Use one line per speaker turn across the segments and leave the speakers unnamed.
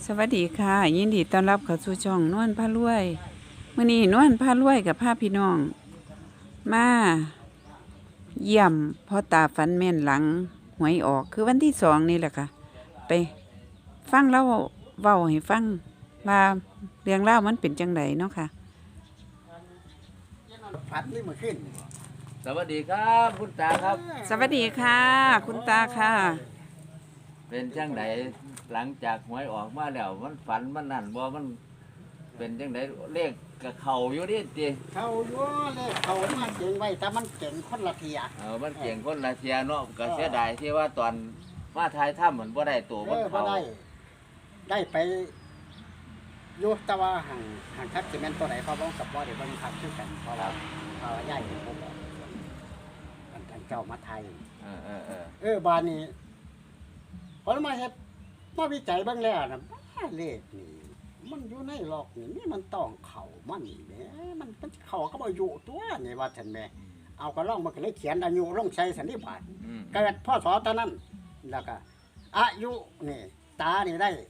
สวัสดีค่ะยินดีต้อนรับเข้าสู่ช่องนวลพารวยมื้อนี้นวลพารวยกับพาพี่น้องมาเยี่ยมพ่อตาฝันแม่นหลังหวยออกคือวันที่2นี่แหละค่ะไปฟังเล่าเว้าให้ฟังว่าเรื่องราวมันเป็นจังไดเนาะค่ะ
ผัดนี่มาขึ้น
สวัสดีครับคุณตาครับ
สวัสดีค่ะ คุณตาค่ะ
เป็นจังไดหลังจากหวยออกมาแล้วมันฝันมันนั่นบ่มันเป็นจังไดเลขกับเขาอยู่นี่ติ
เขาอยู่เลยเขามันเก่งไว้แต่มันเก่งคนละเทีย
มันเก่งคนละเทียเนาะก็เสียดายที่ว่าตอนมาทายถ้ำเหมือนบ่ได้ตัวมัน
พอ
เขา
ได้ไปอยู่แต่ว่าห่างทักสิเมนตัวไหนเขาบ้องกับบ่ได้เบิ่งคักคือกันเพราะเราย่ายผมบอกท่านเจ้ามาไทย บานนี้พอมาเฮ็ดมาวิจัยเบิ่งแล้วนะเลขนี่มันอยู่ในหลอกนี่มันต้องเข่ามันนี่แหมมันเข่าก็บ่อยู่ตัวนี่ว่าท่านแม่เอาก็ลองมันก็เลยเขียนอายุลงใส่สันนิบาตเกิดพศตอนนั้นแล้วก็อายุนี่ตานี่ได้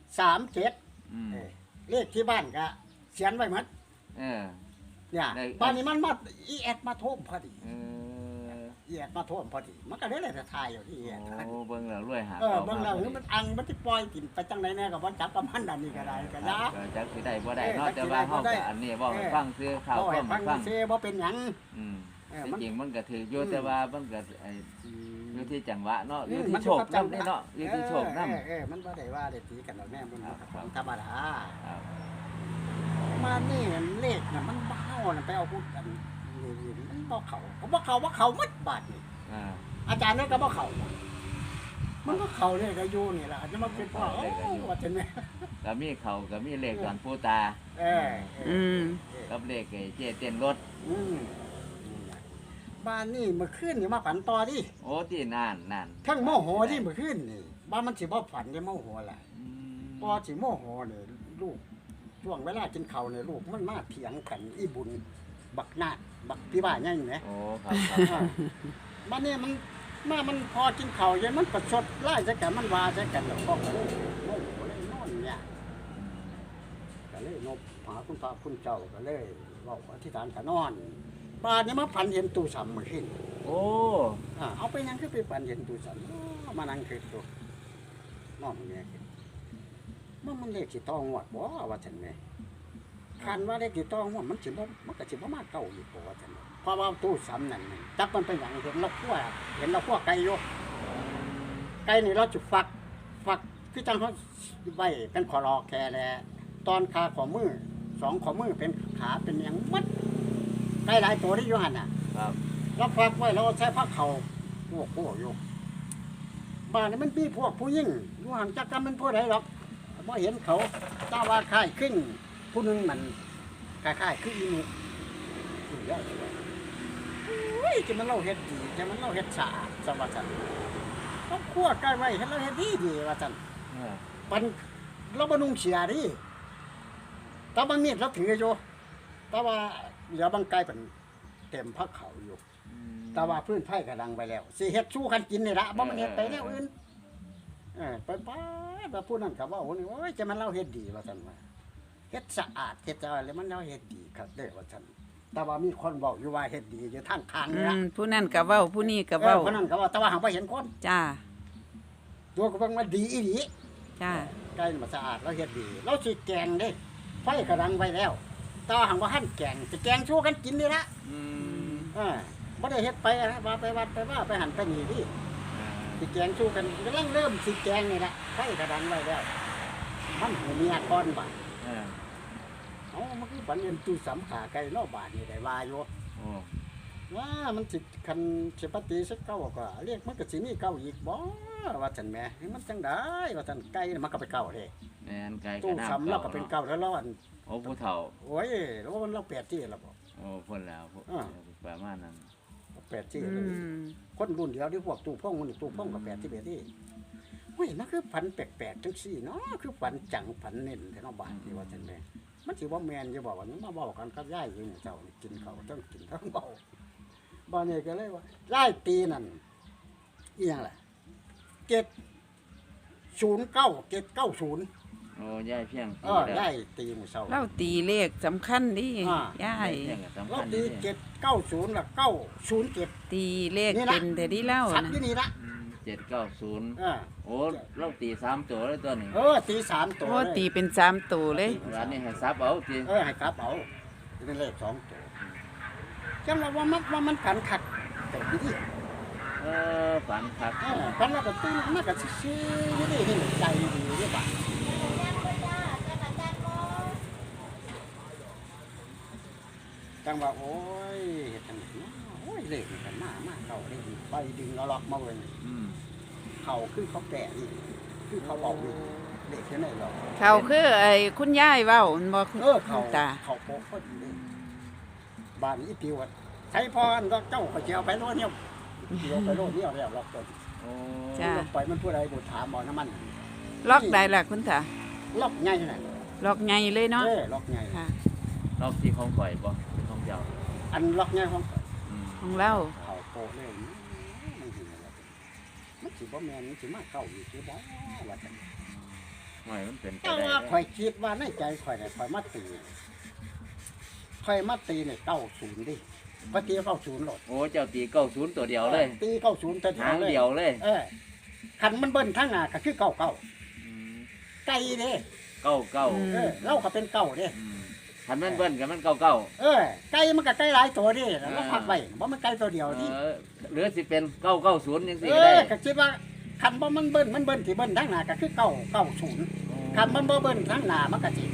37เลขที่บ้านก็เขียนไว้หมดเนี่ยบ้านนี้มันมาอีแอดมาโทมพอดีอีแอดมาโทมพอดีมันก็เลยจะทายอยู่ที่อีแอด
โอ้เบิ่งแล้วรวยหา
เบิ่งแล้วมันอังมันสิปล่อยกินไปจังไดแน่ก็บ่จับกับมันอันนี้ก็ได้ก็ยา
จักสิได้บ่ได้เนาะแต่ว่าเฮาก็อันนี้บ่ให้ฟังซื้อข่าว
ให้
ฟัง
ฟังซิบ่เป็นหยัง
ที่จริงมันก็ถืออยู่แต่ว่ามันก็อยู่ที่จังหวะเนาะอยู่ที่โชคนำนี่เนาะอยู่ที่โชคนำ
มันบ่ได้ว่าได้ตีกันดอกแม่มันธรรมดา
ครับ
มานี่เลขน่ะมันบ้าน่ะไปเอาพูดกันนี่มันบ่เข้าหมดบาดนี่อาจารย์นั่นก็บ่เข้ามันก็เข้าเลขก็อยู่นี่ล่ะจะมาเป็นพ่อว่าจังได๋
ก็มีเขาก็มีเลขตอนผู้ตากับเลขไอ้เจเต้นรถ
บ้านนี่เมื่อคืนนี่มาฝันต่อดิ
โอ้ที่นาน
ทั้งโมโหที่เมื่อคืนนี่บ้านมันสิบ่ฝันได้โมโหล่ะพอสิโมโหนี่ลูกช่วงเวลากินข้าวนี่ลูกมันมาเถียงกันอีบุญบักนาดบักพี่บ้านยังไง
โอ้ครับ
บ้านนี้มันพอกินข้าวเย็นมันประชดไล่ใส่กันมันว่าใส่กันแล้วก็เลยโมโหเลยนอนเนี่ยก็เลยนบหาคุณพระคุณเจ้าก็เลยเว้าอธิษฐานก็นอนบ้านนี้มาฝันเห็นตู้สำมื้อคืน
โอ้
เอาไปยังคือไปฝันเห็นตู้สำมานั่งคิดดูนอนเนี่ยมันเลขสิต้องงวดบ่ว่าซั่นแม่คันว่าเลขสิต้องงวดมันก็สิบ่มาเก่าอยู่บ่ว่าซั่นเพราะว่าตู้สำนั่นจักมันเป็นหยังเห็นเราคั่วไก่อยู่ไก่นี่เราจะฝักคือจังเฮาไว้เป็นขอรอแค่แลตอนขาของมือ2ของมือเป็นขาเป็นหยังมัดไก่หลายตัวที่อยู่หั่นน่ะ
ครับ
เราฝักไว้เราใช้ผ้าเขาโอ้โหอยู่บ้านนี้มันมีพวกผู้ยิ่งอยู่ห่างจากกันมันผู้ใดหรอกพอเห็นเขาตาว่าค่ายขึ้นผู้หนึงมันค่ายขึ้นอีนุจะมันเล่าเฮ็ดดีจะมันเล่าเฮ็ดสะอาดสวัสดิ์ต้องคั่วใกล้ไว้เฮ็ดเราเฮ็ดดีว่าจันปันเราบำรุงเสียดิตาบางมีดเราถืออยู่แต่ว่าเหลือบางไกลเป็นเต็มพักเขาอยู่แต่ว่าพื้นไผ่กระดังไปแล้วสิเฮ็ดสู้กันกินนี่ละบ่มันเฮ็ดไปแนวอื่นไปว่าผู้นั้นก็ว่าโอ้ยจะมันเล่าเฮ็ดดีว่าซั่นว่าเฮ็ดสะอาดเฮ็ดอะไรมันเล่าเฮ็ดดีครับเด้อว่าซั่นแต่ว่ามีคนบอกอยู่ว่าเฮ็ดดีอยู่ทางทางนี่ละ
ผู้นั่นก็เว้าผู้นี้ก็เว้า
ผู้นั้นก็ว่าแต่ว่าหาบ่เห็นคน
จ้า
ตัวก็เบิ่งว่าดีอีหลี
จ้า
ไก่มันสะอาดเราเฮ็ดดีเราสิแกงเด้ไฟกระดังไว้แล้วแต่ว่าหังว่าหั่นแกงสิแกงสู้กันกินนี่ละบ่ได้เฮ็ดไปว่าไปวัดไปว่าไปหันไปนี่ดิสิแกงสู้กันกำลังเริ่มสิแกงนี่ละไฟกระดังไว้แล้วมันหูเมียก่อนบาดมันคือฝันเห็นตู้สำขาไก่เนาะบาดนี่ได้ว่าอยู่ว่ามันสิคันสิปฏิสักเก้าก็เรียกมันก็สิมีเก้าอีกบ่ว่าซั่นแหมมันจังได๋ว่าซั่นไก่มันก็ไปเก้าเด้
แม่นไก่
ตู้สำเราก็เป็นเก้าแล้วเราอัน
โอ้ผู้เฒ่า
โอ้ยแล้วมันเรา8ที่แล้วบ่
โอ้เพิ่นแล้วประมาณนั้น
8ที่เลยคนรุ่นเดียวที่พวกตู้พ่องมันตู้พ่องก็8ที่เบ็ดที่เฮ้ยมันคือฝันแปลกๆจังซี่เนาะคือฝันจังฝันเน้นแท้เนาะบาดนี่ว่าซั่นแหมมันสิบ่แม่นอยู่บ่ว่ามันมาเว้ากันกับยายอยู่เจ้านี่กินข้าวทั้งกินทั้งเว้าบ่นี่ก็เลยว่ายายปีนั่นอีหยังล่ะ709 790
โอ้ยายเพียง
ได้ตีหมู่เศร้า
เล่าตีเลขสำคัญดิ
อ่า
ยาย
เพียงก็สำ
เรา
คัญ
ตี
นี่
790ละ907
ตีเลขเป็นแต่ที่เล่า
สัต
นะ
ว์ที่นี่ละ
790
เออ
โอ้เราตี3ตัวเลยตัวนี้
ตี3ตัว
โอ้
เลย
ตีเป็น3ตัวเลย
ร้านนี้ให้ซับเอาตี
ให้ครับเอาเป็นเลข2ตัวจังว่ามันกันคักแต่ดีดิ
ฝันคัก
พันแล้วก็ตื่นมาก็ซื่อๆอยู่นี่ใจดีเด้บ่จังว่าโอ้ยเฮ็ดจังได๋เนาะโอ้ยเลขนี่กันมาเข้าได้ดีไปดึงเอาล็อกมาเว้ย
อืม
เขาคือเขาแก่นี่คือเขาบอกนี่เลขแค่ไหนหรอก
เขาคือไอ้คุณยายเว้ามันบ่คุณ
เขา
ตา
เขาโป๊ะพอดีเลยบ้านอีปิวอะใช้พรก็เจ้าเขาเจียวไปโลดเนี่ยเจียวไปโลดเนี่ยแล้วล็อกต้น
โอ้
จ้า
ล็อกไปมันผู้ใดบุถามบ่น้ำมัน
ล็อกได้ล่ะคุณตา
ล็อกใหญ่น่ะ
ล็อกใหญ่เลยเนาะ
ล็อกใหญ่
ค่ะ
รอบที่ของข่อยบ่เป็นของเจ้า
อันล็อกใหญ่ของ
อืม
ของเรา
เขาโป๊ะเลยมันสิอะไรมันสิบ่แม่นมันสิมาเข้าอยู่สิบ่ว่าจัง
ไม่มันเป็นไป
แต่
ได้
ว่าข่อยคิดว่าในใจข่อยน่ะข่อยมาตีเนี่ย90ดิข่อยตี90โลด
โอ้เจ้าตี90ตัวเดียวเลย
ตี90แต่
หางเดียวเลย
คันมันเบิ้นทางหน้าก็คือเก่า
อืม
ไก่เด้
เก้า
เราก็เป็นเก่าเด้
อืมคันแม่นเบิ้นกับมันเก้า
ไก่มันก็ไก่หลายตัวเด้เราพักไว้บ่มันไก่ตัวเดียวนี่
เหลือสิเป็น990จังซี่
เอ
ก็ได้
อก็คิดว่าคันบ่มันเบิ้นสิเบิ้นทางหน้าก็คือ990คันมันบ่เบิ้นทางหน้ามันก็สิ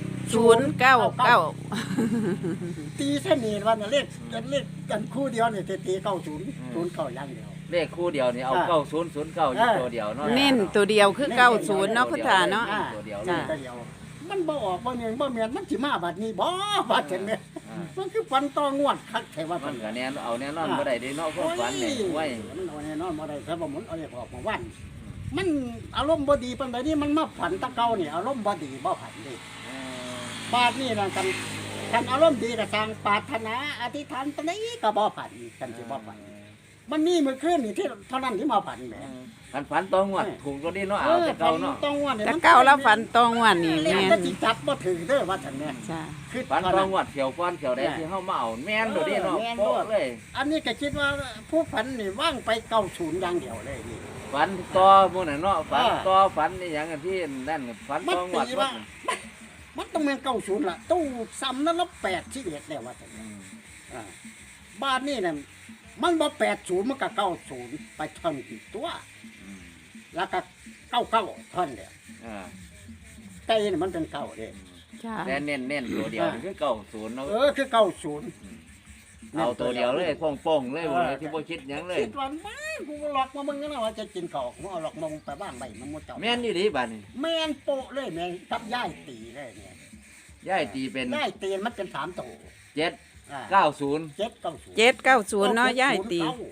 099
ตีเส้นนี้ว่าเลขกันคู่เดียวนี่ตี90 09อย่างเดียว
เลขคู่เดียวนี่เอา
อ่า
9009อยู่ตัวเดียวเนาะ
เน้นตัวเดียวคือ90เนาะคุณตาเนาะ
ตัวเดียวเล
จ้ะ
ย
ตัวเดียวมันบ่ออกบ่แม่นมันสิมาบัดนี้บ่บัดเห็นแม่
อ่า
มันคือฟันต่องวดคักแท้ว่า
มั
มัน น
ก็แน่นเอาแน่นอนบ่ได้เด้เนาะความฝันนี่ไว้
มันเอาแน่นอนบ่ได้ถ้าบ่หมุนเอาเลขออกมาวันมันอารมณ์บ่ดีปานใดนี่มันมาผันตะเกานี่อารมณ์บ่ดีบ่ผันเด้บาดนี่นั่นกันอารมณ์ดีก็สร้างปรารถนาอธิษฐานปานใดก็บ่ผันกันสิบ่ผันมันมีมื้อคืนนี่ที่เท่านั้นที่มาผันแหม
คันฝันตองวดถูกตัวนี้เนาะเอาแต่เก่าเนาะ
ต้องว่าเนี่ย
แต่เก่าแล้วฝันตองวันนี่
แม่
แม่
น
น
สิจับบ่ถึงเด้อว่าซั่นแม่
จ้า
คือ
ฝัน
เท่า
ตอ
นั้
ง
น
วดเขียวก้อนเขียวแดงที่เฮามาเอาแม่นตัวนี้เนาะ
แม่น
โป๊ะเลย
อันนี้ก็คิดว่าผู้ฝันนี่ว่างไป90อย่างเดียวเลยนี่
ฝันต่อหมู่นั่นเนาะฝันต่อฝันนี่หยังอันที่นั่นฝัน
มัน
ตองว
ตี
ด
ว่ามันต้องเป็น90ล่ะตู้ซ้ำนั้นละ8ชีวิตแล้วว่าซั่นบ้านนี่น่ะมันบ่80มันก็90ไปท่อนกี่ตัว แล้วก็99ท่อนเดียว ไก่นี่มันเป็นเก่าเด้
จ้า
แต่เน้นตัวเดียวนี่คือ90เนาะ
คือ90
เอาตัวเดียวเลยโป่งๆเลยบ่เลยที่บ่คิดหยังเลย
คิดว่าไม่กูหลอกมามึงนะว่าจะกินข้าวกูเอาหลอกมามึงไปบ้างใบมันบ่เจ้า
แม่นอยู่ดีบัดนี้
แม่นโปะเลยแม่นกับย่ายตีเลยเนี่ย
ยายตีเป็น
ย่ายตีมันเป็น3ตัว
790
790
790เนาะยายตี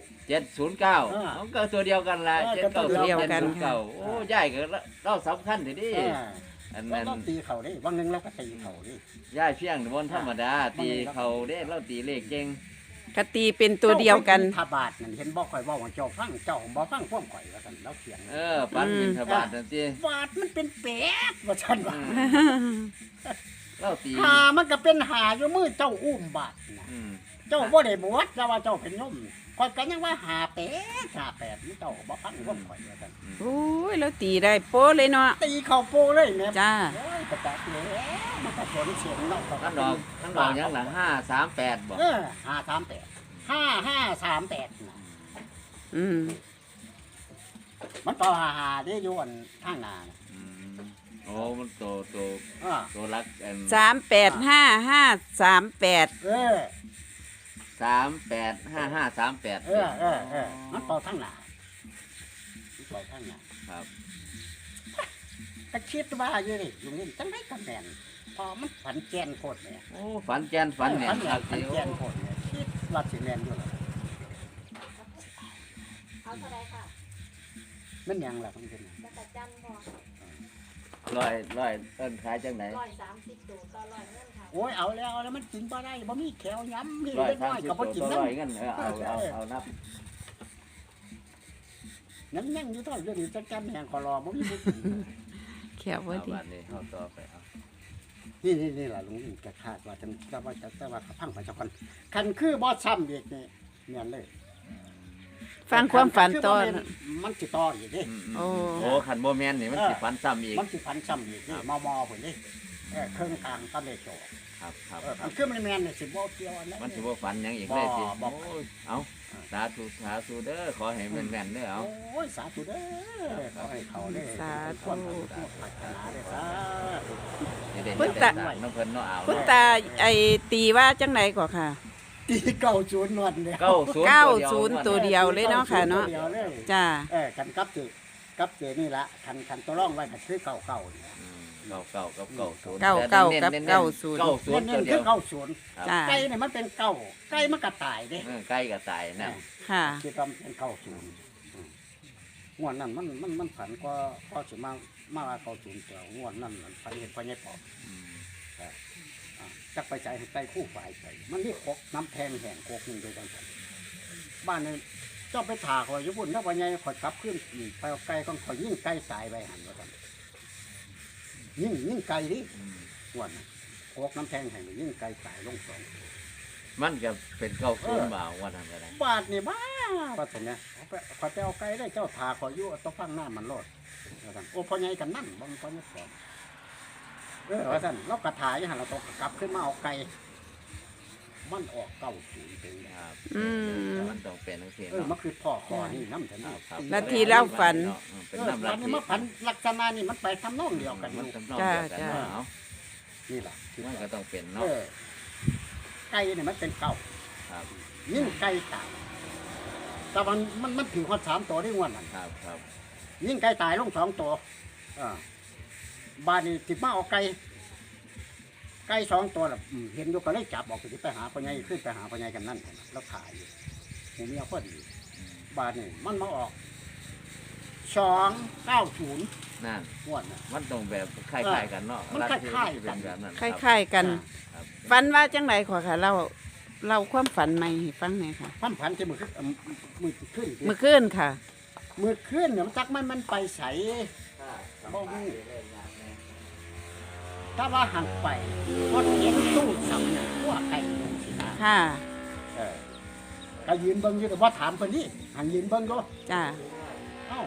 709มันก็ตัวเดียวกันล่ะ
ตัวเดียวกันค่ะ
790โอ้ยายก็เราสำคัญทีนี้อัน
แล้
นั้น
วตีเขาดิวันหนึงเราก็ตีเขาดิ
ยายเพียงบนธรรมดาตีเขาเด้เราตีเลขเก่ง
กตีเป็นตัวเดียวกัน
ถ้าบาทนั่นเห็นบ่ข่อยเว้าว่าเจ้าฟังเจ้าบ่ฟังความข่อยว่าซั่นแล้วเถียง
ปันบิณฑบาตนั่นติ
บาทมันเป็นแปดว่าซั่นว่า
เราตี
หามันก็เป็นหาอยู่มือเจ้าอุ้มบาทน่ะ
อืม
เจ้าบ่ได้บวชแต่ว่าเจ้าเป็นโยมข่อยก็ยังว่าหาแปดนี่เจ้าบ่ฟังความข่อยว่าซั่น
โอ้ยแล้วตีได้โป๊ะเลยเนาะ
ตีเข้าโปเลยแม่
จ้า
โอ้ยกระแตกแล้วมันก็สวนเสียงเนาะ
ท่านดอกยังหลัง538บ่
538น่ะ
อืม
มันต่อหาได้อยู่อันข้างหน้าน่ะ
อืมโอ้มันโต
อ่า
โตรักอัน
385538
385538
มันต่อข้างหน้ามันต่อข้างหน้า
ครับ
ก็คิดว่าอยู่นี่อยู่นี่จังได้กันแม่นพอมันฝันแกนโคตรเนี่ย
โอ้ฝันแกนฝันเนี่ย
ฝัน
ครับ
ฝันแกนโคตรเนี่ยคิดว่าสิแม่นอยู่ล่ะ
เอาเท่าไรค่ะ
มันหยังล่ะมันเป็นหยัง
จักรจันทร์บ่
ร้อยเอิ้นขายจังไหน
130ตัวต่อ100เงินค่ะ
โอ้ยเอาแล้วมันกินบ่ได้บ่มีแขวย้ำนี่
ร้อย
เล็ก
สา
น้
ม
อย
สิบ
ก็บ่
ตัว
กิน
ต่อ
น้ำ
ร้อยเงินเอานับ
ยังอยู่เท่าเดี๋ยวนี้จักจันแหงก็รอบ่มีผู้กิน
แขวว่าดี
บัดนี้เฮาต่อไปเอา
นี่ล่ะลุงอินแกคาดว่าจะว่าแต่ว่าพังไปเจ้ากันคันคือบ่ซ้ำอีกนี่แม่นเลย
ฟังความฝันตอน
มันสิต่ออีกเด้
โอ้
โอ้คันบ่แม่นนี่มันสิฝันซ้ำอีก
มันสิพันซ้ำอีกนี่มอพุ่นนี่เครื่องกลางตะเลโจ
ครับครับ
มันคือมันแม่นนี่สิบ่เกี่ยวอันนั้น
มันสิบ่ฝันหยังอีกเลยสิ
บ่
โอ้ยเอาสาธุเด้อขอให้แม่นๆเด้อเอา
โอ้ยสาธุเด้อขอให้เขาเด้อ
สาธุ
ความปรารถนาเด้อสาธุ
นี่เด้
คุณ
นี่
ตา
เด้น้องเพิ่นเนาะเอา
คุณตาไอ้ตีว่าจังไหนก่อค่ะ
ตีเก้าศูนย์นวดเนี่ย
90ตัวเดียวเลยเนาะค่ะเนาะ
ตัวดียวเลย
จ้า
กันกับเจนี่ละคันตัวร่องไว้ก็คือเก่าๆเนี่ย
เก้ากับ90
เก้ากับ
แต่
เก้า
90
ศูนย์
เน้น
ตัว
ๆ
เดี
คื
ย
อ
ว
เก้าศูนย์
จ้า
ไก่เนี่ยมันเป็นเก้าไก่มันกระต่ายเด้
ใกล้กับตายนะ
ค่ะ
คิดว่ามันเป็นเก้าศูนย์งวดนั้นมันผันก็สิมาว่าเก้าศูนย์เจ้างวดนั้นมันไปเห็นพญายปอบจักไปใจให้ไก่คู่ฝ่ายใจมันนี่คกน้ำแทงแห่งโคกหนึ่งโดยกันบ้านเนี่ยเจ้าไปถ่าคอยญี่ปุ่นถ้าพญายคอยกลับขึ้นอีกไปเอาไก่ก็คอยยิ่งไก่ตายไปหันว่ากันยิ่งไก่ดิงวดนั้นโคกน้ำแทงแห่งยิ่งไก่ตายลงสอง
มันก็เป็น90บ่าวว่านั้นก็ได้
บาทนี่บ้าว่าแต่เนี่ยขอไปเอาไก่ได้เจ้าถาขออยู่ต้องฟังหน้ามันโลดว่าซั่นโอ้พ่อใหญ่กันนั่นบางพ่อใหญ่สอนว่าท่านเรากระถายหันเราต้องกลับขึ้นมาเอาไก่มันออกเก้าศูนย์เป็น
ครับ
อืม
มันต้องเป็นจังซี่
มัน
เนาะ
คือพ่อคอนี่น้ำฉันนี่
ครับ
ลัทธิเล่าฝัน
เป็นน้ำลั
วั
ท
น
ธิ
นี้มาผันลักษณะนี่มันไปทำนองเดียวกันอ
มัน
ยู่
ทำนองเดียวกัน
จ้า
เนาะเอา
นี่แหละคือ
มันก็ต้องเป็น
เอ
เนาะ
อไก่เนี่ยมันเป็นเก้า
ครับ
ยิ่งไก่ตายแต่มันถือคน3 ตัวได้งวดนั่น
ครับ
ยิ่งไก่ตายลง2 ตัวบ้านนี้ติดมาเอาไก่2 ตัวล่ะเห็นอยู่ก็เลยจับออกไปหาพ่อใหญ่ขึ้นไปหาพ่อใหญ่กันนั่นแล้วขายอยู่หมูเมียพอดีบ้านนี้มันมาออก290
นั่น
งวดน่ะ
มันต้องแบบคล้ายๆกันเนาะ
มันคล้ายๆกัน
เป็นแบบนั้น
คล้ายๆกัน
ครับ
ฝันว่าจังไหนขอค่ะเราความฝันใหม่ให้ฟังหน่อยค่ะ
พันจะมือขึ้น
เมื่อคืนค่ะ
มือขึ้นเนี่ยมันจักมันไปใสบ่ฮู้ถ้าว่าห่างไปก็เห็นตู้สำเนี่ยพวกไก่ลงสินะ
ค่ะ
ก็ยืนเบิ่งอยู่แต่ว่าถามเพิ่นนี่หันยืนเบิ่งก็
จ้า
เอ้า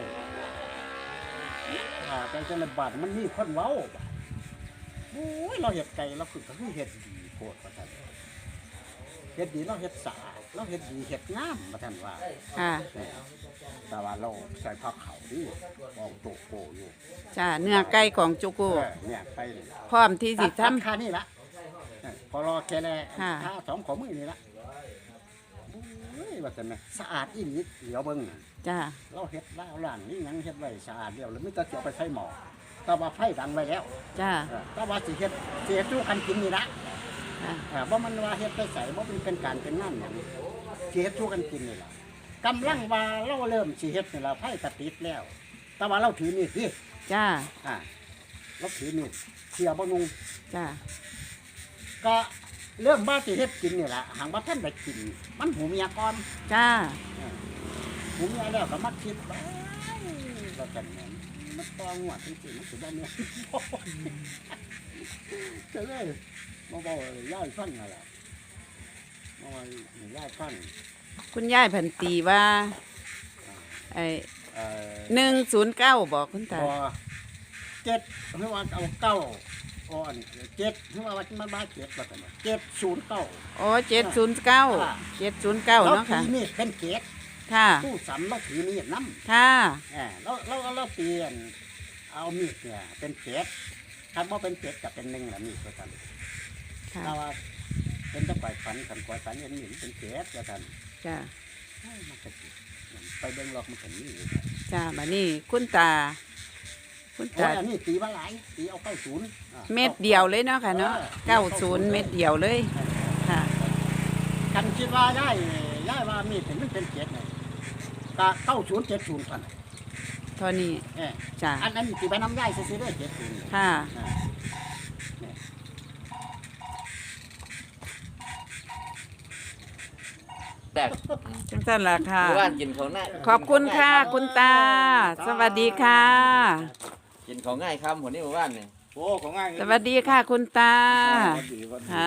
แต่จังบาดมันมีคนเว้าโอ้ยเราเฮ็ดไก่เราคือเฮ็ดดีโพดว่าซั่นเฮ็ดดีเราเฮ็ดสะอาดเราเฮ็ดดีเฮ็ดงามว่าซั่นว่า
ค่ะ
แต่ว่าเราใส่ผ้าขาวนี่ออกโตโกอยู่
จ้าเนื้อไก่ของจุกุ
เนี่ยไปเลย
พร้อมที่สิทำ
ค่านี่ละพอรอแค่แล
ค่ะ
ค่า2ของมือนี่ละโอ้ยว่าแต่แม่สะอาดอีหลีเดี๋ยวเบิ่ง
จ้า
เราเฮ็ดล้างล่างนี่หยังเฮ็ดไว้สะอาดเดียวแล้วไม่ต้องเสียไปใส่หม้อแต่ว่าไฟดังไว้แล้ว
จ้า
แต่ว่าสิเฮ็ดสิเฮ็ดสู้กันกินนี่ละ
ค่ะ
บ่มันว่าเฮ็ดไปใส่บ่เป็นการเป็นงานหยังสิเฮ็ดสู้กันกินนี่ล่ะกำลังว่าเราเริ่มสิเฮ็ดนี่ล่ะไฟกระติดแล้ว แต่ว่าเราถือมีดสิ
จ้า
เราถือมีดเสียบ่นุง
จ้า
ก็เริ่มว่าสิเฮ็ดกินนี่ล่ะหางว่าท่านได้กิน มันหูเมียก่อน
จ้า
หูเมียแล้วก็มาคิดว่าเราจะแม่นมันตองหัวจริงๆมันสิบ่แม่น ก็เลยมาบอกย่ายฟังนั่นล่ะมาว่าย่ายฟัง
คุณยายพันตีว่าไอ้ 109บอกคุณตา
พอ7คือว่าเอาเก้าอ่อน7คือว่ามันมา7ว่าซั่น709
อ๋อ709 709เนาะค่ะ
ถือมีดเป็นเกศ
ค่ะ
ตู้สำเราถือมีดน้ำ
ค่ะ
เราเปลี่ยนเอามีดเนี่ยเป็นเกศถ้าว่าเป็นเกศกับเป็นหนึ่งละมีดก็ทัน
ค่ะ
ถ้าว่าเป็นตะไคร้ฝันขันกวาดฝันยังมีเป็นเกศก็ทัน
จ้า
มันก็สิไปเบิ่งหลอกมันถึงนี่
จ้าบัดนี้คุณตา คุณ
แต่
ตา
อันนี้ตีว่าหลายตีเอาเข้าศูนย์
เม็ดเดียวเลยเนาะค่ะเนาะ90เม็ดเดียวเลย ค่ะ
กันคิดว่าย่ายว่ามีดมันเป็นเกศเนี่ยก็9070พัน
เท่านี้จ้า
อันนั้นตีไปน้ำย่ายซื้อได้70
ค่ะ
แต่
จังซั่นล่ะค่ะ
ว่านกินของหน้า
ขอบคุณค่ะ คุณตา สวัสดีค่ะ
กินของง่ายคำหัวนี้หมู่บ้านนี่
โอ้ของง่าย
สวัสดีค่ะคุณตา
สวัสดีสวัสดี
ค่ะ